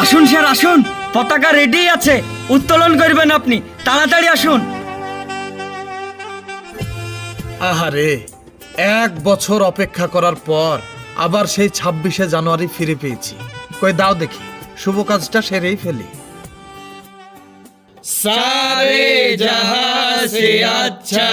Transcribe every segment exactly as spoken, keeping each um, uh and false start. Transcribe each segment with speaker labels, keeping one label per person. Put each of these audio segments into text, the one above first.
Speaker 1: আসুন স্যার আসুন, পতাকা রেডি আছে, উত্তোলন করবেন আপনি, তাড়াতাড়ি আসুন।
Speaker 2: আহারে, এক বছর অপেক্ষা করার পর আবার সেই ছাব্বিশে জানুয়ারি ফিরে পেয়েছি। কই দাও দেখি, শুভ কাজটা সেরেই ফেলি।
Speaker 3: सारे जहां से अच्छा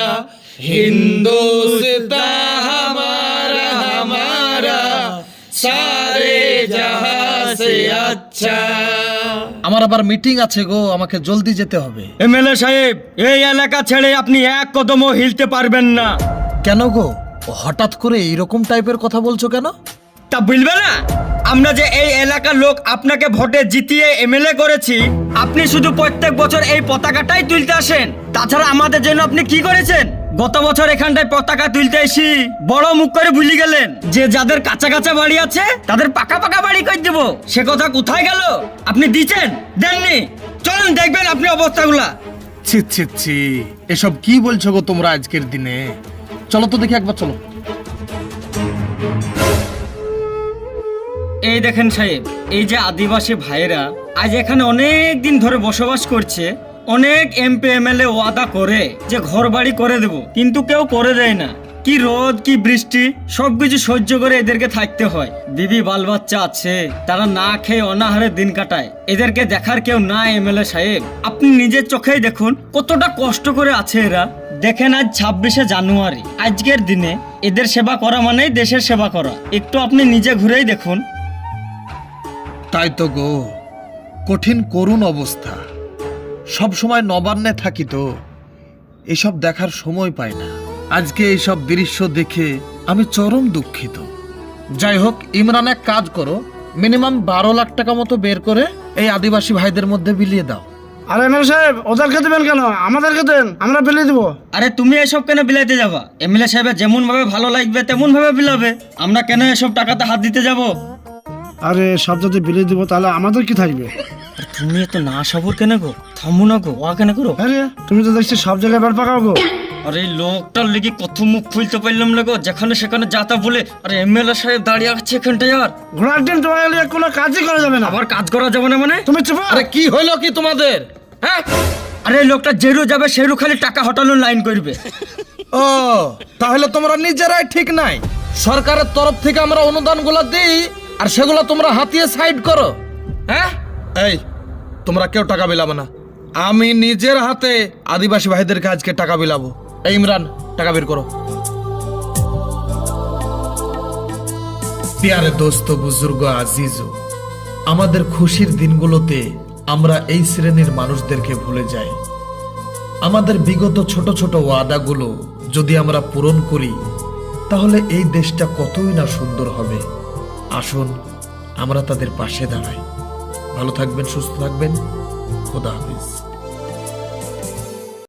Speaker 3: हिंदुस्तान हमारा हमारा सारे जहां से अच्छा।
Speaker 2: আমার আবার মিটিং আছে গো, আমাকে জলদি যেতে হবে।
Speaker 1: এমএলএ সাহেব, এই এলাকা ছেড়ে আপনি এক কদমও হিলতে পারবেন না।
Speaker 2: কেন গো, হঠাৎ করে এইরকম টাইপের কথা বলছো কেন?
Speaker 1: তা বলবে না, আমরা যে এই এলাকার লোক আপনাকে ভোটে জিতিয়ে এমএলএ করেছি, আপনি শুধু প্রত্যেক বছর এই পতাকাটাই তুলতে আসেন। তাছাড়া আমাদের জন্য আপনি কি করেছেন? গত বছর এখানটায় পতাকা তুলতে এসি বড় মুখ করে ভুলে গেলেন যে যাদের কাঁচা কাঁচা বাড়ি আছে তাদের পাকা পাকা বাড়ি করে দেব। সে কথা কোথায় গেল? আপনি দিচ্ছেন, দেননি? চলুন দেখবেন আপনি অবস্থাগুলা।
Speaker 2: ছি ছি ছি, এসব কি বলছো গো তোমরা আজকের দিনে? চলো তো দেখি একবার, চলো।
Speaker 1: এই দেখেন সাহেব, এই যে আদিবাসী ভাইয়েরা আজ এখানে অনেক দিন ধরে বসবাস করছে, অনেক এমপি এমএলএ ওয়াদা করে যে ঘর বাড়ি করে দেব, কিন্তু কেউ করে দেয় না। কি রোদ কি বৃষ্টি সবকিছু সহ্য করে এদেরকে থাকতে হয়। বিবি বাল বাচ্চা আছে, তারা না খেয়ে অনাহারে দিন কাটায়। এদেরকে দেখার কেউ না এমএলএ সাহেব, আপনি নিজের চোখেই দেখুন কতটা কষ্ট করে আছে এরা। দেখেন আজ ছাব্বিশে জানুয়ারি, আজকের দিনে এদের সেবা করা মানেই দেশের সেবা করা। একটু আপনি নিজে ঘুরেই দেখুন।
Speaker 2: তাই তো গো, কঠিন করুণ অবস্থা। সব সময় নবান্নে থাকি তো এসব দেখার সময় পাই না। আজকে এইসব দৃশ্য দেখে আমি চরম দুঃখিত। যাই হোক, ইমরান এক কাজ করো, মিনিমাম বারো লাখ টাকা মতো বের করে এই আদিবাসী ভাইদের মধ্যে বিলিয়ে দাও।
Speaker 4: আরে এমএলএ সাহেব, ওদেরকে দেবেন কেন? আমাদেরকে দেন, আমরা বিলিয়ে দেবো।
Speaker 1: আরে তুমি এসব কেন বিলাইতে যাবা? এমএলএ সাহেবের যেমন ভাবে ভালো লাগবে তেমন ভাবে বিলাবে। আমরা কেন এসব টাকাতে হাত দিতে যাব?
Speaker 4: আরে সব যদি বিলিয়ে দিব তাহলে আমাদের কি থাকবে?
Speaker 1: তুমি এত না সবর কেন গো? থামু না গো, ওয়া কেন করো?
Speaker 4: আরে তুমি তো দেখছি সব জায়গায় বার পাকাও গো।
Speaker 1: আরে লোকটার লেগে কত মুখ খুলতে পারলাম না গো, যেখানে সেখানে যাতা বলে। আরে এমএলএ সাহেব দাঁড়িয়ে আছে এখানটায়, আর
Speaker 4: ঘোড়ার ডিম তোমার লিয়ে কোনো কাজই করা যাবে না।
Speaker 1: আবার কাজ করা যাবে না মানে?
Speaker 4: তুমি চুপ।
Speaker 2: আরে কি হইলো কি তোমাদের?
Speaker 1: হ্যাঁ, আরে এই লোকটা যেরু যাবে সেরু খালি টাকা হটানোর লাইন করবে।
Speaker 2: ও, তাহলে তোমরা নিজেরাই ঠিক নাই। সরকারের তরফ থেকে আমরা অনুদানগুলো দিই আর সেগুলো তোমরা হাতিয়ে সাইড করো। হ্যাঁ, এই তোমরা কেউ টাকা বিলাবে না। আমি নিজের হাতে আদিবাসী ভাইদেরকে আজকে টাকা বিলাবো। এই ইমরান, টাকা বের করো। প্যারে দোস্ত বুজুর্গ আজিজু, আমাদের খুশির দিনগুলোতে আমরা এই শ্রেণীর মানুষদেরকে ভুলে যাই। আমাদের বিগত ছোট ছোট ওয়াদাগুলো যদি আমরা পূরণ করি তাহলে এই দেশটা কতই না সুন্দর হবে। আসুন আমরা তাদের পাশে দাঁড়াই। ভালো থাকবেন, সুস্থ থাকবেন, খোদা হাফেজ।